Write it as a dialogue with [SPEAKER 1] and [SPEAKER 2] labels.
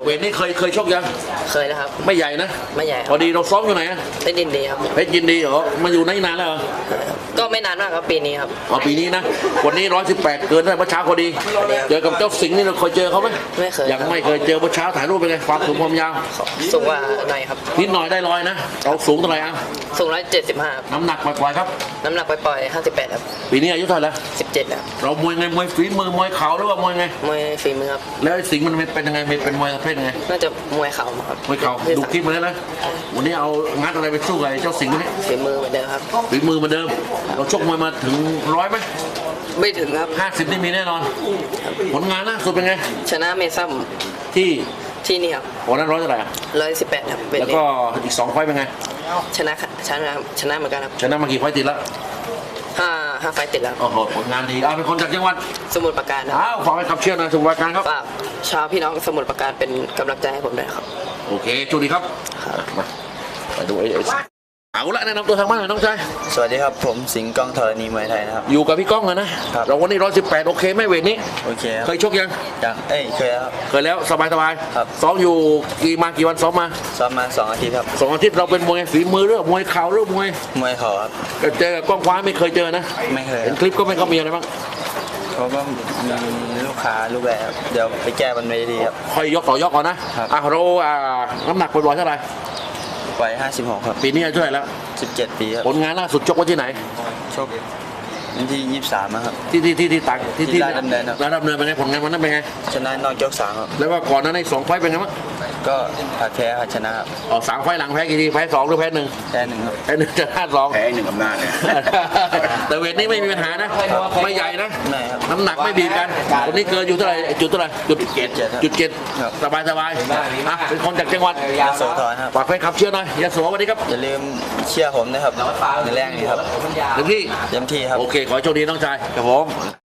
[SPEAKER 1] เวทนี้เคยชกยัง
[SPEAKER 2] เคยแล้วครับ
[SPEAKER 1] ไม่ใหญ่นะ
[SPEAKER 2] ไม่ใหญ่
[SPEAKER 1] พอดีเราซ้อมอยู่ไหนอะ
[SPEAKER 2] เพชรยินดีครับ
[SPEAKER 1] เพชรยินดีเหรอมาอยู่นานแล้วเหรอ
[SPEAKER 2] ก็ไม่นานมากครับปีนี้ครับ
[SPEAKER 1] ปีนี้นะวันนี้118เกินได้เมื่อเช้าพอดีเจอกับเจ้าสิงห์นี่เราเคยเจอเขาไหม
[SPEAKER 2] ไม่เคย
[SPEAKER 1] ยังไม่เคยเจอเมื่อเช้าถ่ายรูปเป็นไงความสูงความยาว
[SPEAKER 2] สูงกว่าหน่อยครับ
[SPEAKER 1] นิดหน่อยได้100นะเราสูงเท่าไหร่อ่ะ
[SPEAKER 2] สูง175ครับ
[SPEAKER 1] น้ำหนักปล่อยๆครับ
[SPEAKER 2] น้ำหนักปล่อยๆ58ครับ
[SPEAKER 1] ปีนี้อายุเท่าไหร่แล้ว
[SPEAKER 2] 17ครับ
[SPEAKER 1] เรามวยไงมวยฝีมือมวยเข่าหรือว่ามวยไง
[SPEAKER 2] มวยฝีมือครับ
[SPEAKER 1] แล้วสิงห์มันเป็นยังไงเป็นมวยประเภทยังไง
[SPEAKER 2] น่าจะมวยเข่าครับ
[SPEAKER 1] มวยเข่าดูคลิปมาแล้วนะวันนี้เอางัดอะไรไปสู้กับเจ้าสิงห์นี่
[SPEAKER 2] ฝีมือเหมือนเดิมครับ
[SPEAKER 1] ฝีมือเหมือนเดิมเราชกมวยมาถึง100ไหม
[SPEAKER 2] ไม่ถึงครับ
[SPEAKER 1] 50นี่มีแน่นอนผลงานล่าสุดเป็นไง
[SPEAKER 2] ชนะเมซัมที่นี่ครับ
[SPEAKER 1] วันนั้น100เท่าไหร่
[SPEAKER 2] 118ครับ
[SPEAKER 1] แล้วก็อีก2 ไฟต์เป็นไง
[SPEAKER 2] ชนะเหมือนกันครับ
[SPEAKER 1] ชนะมากี่ไฟต์ติดแล้ว
[SPEAKER 2] 5 ไฟต์ติดแล้ว
[SPEAKER 1] โอ้โหผลงานดีเป็นคนจากจังหวัด
[SPEAKER 2] สมุทรปราการครับ
[SPEAKER 1] ฝากให้ขับเชื่อนะสมุทรปราการครับ
[SPEAKER 2] ฝากชาวพี่น้องสมุทรปราการเป็นกำลังใจให้ผมด้วยครับ
[SPEAKER 1] โอเคจุดีครับมาไปดูเอาละแนะนำตัวทางบ้านหน่อยน้องชาย
[SPEAKER 3] สวัสดีครับผมสิงห์กองธรณีมวยไทยนะครับ
[SPEAKER 1] อยู่กับพี่ก้องนะครับเราวันนี้118โอเคไหมเวทนี้
[SPEAKER 3] โอเค
[SPEAKER 1] เคยชกยัง
[SPEAKER 3] เคย
[SPEAKER 1] แล้วสบาย
[SPEAKER 3] ครับ
[SPEAKER 1] ซ้อมอยู่กี่วันซ้อมมา
[SPEAKER 3] 2 อาทิตย์ครับ
[SPEAKER 1] 2 อาทิตย์เราเป็นมวยฝีมือหรือมวยเข่าหรือมวย
[SPEAKER 3] เข่าครับ
[SPEAKER 1] เจอกับกล้องคว้าไม่เคยเจอนะ
[SPEAKER 3] ไม่เคย
[SPEAKER 1] เห็นคลิปก็ไม่เขามีอะไรบ้าง
[SPEAKER 3] เขาก็มีลูกค้าลูกแรกเดี๋ยวไปแก้บนเวทีครับ
[SPEAKER 1] ค่อยยกต่อยกก่อนนะเราน้ำหนักปล่อยเท่าไหร่
[SPEAKER 3] ไป56ครับ
[SPEAKER 1] ปีนี้อายุเท่าไหร่แล้ว
[SPEAKER 3] 17 ปีครับ
[SPEAKER 1] ผลงานล่าสุดชกไว้ที่ไหน
[SPEAKER 3] ชกวันที่23ครับ
[SPEAKER 1] ที่ต่างที่
[SPEAKER 3] ราชดำเนิน
[SPEAKER 1] เป็นไงผลงานวันนั้นเป็นไง
[SPEAKER 3] ชนะนอกยก3ครับ
[SPEAKER 1] แล้วก็ก่อนนั้นใน2 ไฟต์เป็นไงบ้าง
[SPEAKER 3] ก็แพ้ชนะครับ
[SPEAKER 1] 3 ไฟต์หลังแพ้กี่ทีแพ้2หรือแพ้1
[SPEAKER 3] แพ้1ครับ
[SPEAKER 1] แพ้1ชนะ2แพ้1อำนาจเนี่ยแต่เวทนี้ไม่มีปัญหานะไม่ใหญ่นะน้ำหนักไม่บีบกันวันนี้เกินอยู่เท่าไหร่จุด7สบายเป็นคนจากจังหวัด
[SPEAKER 3] ยโสธรครับ
[SPEAKER 1] ฝากแฟนคลับเชียร์หน่อยยโสวันนี้ครับ
[SPEAKER 3] อย่าลืมเชียร์ผมนะครับในแรกนี้ครับ
[SPEAKER 1] เต็มที่
[SPEAKER 3] ครับ
[SPEAKER 1] โอเคขอโชคดีน้องชายครับผม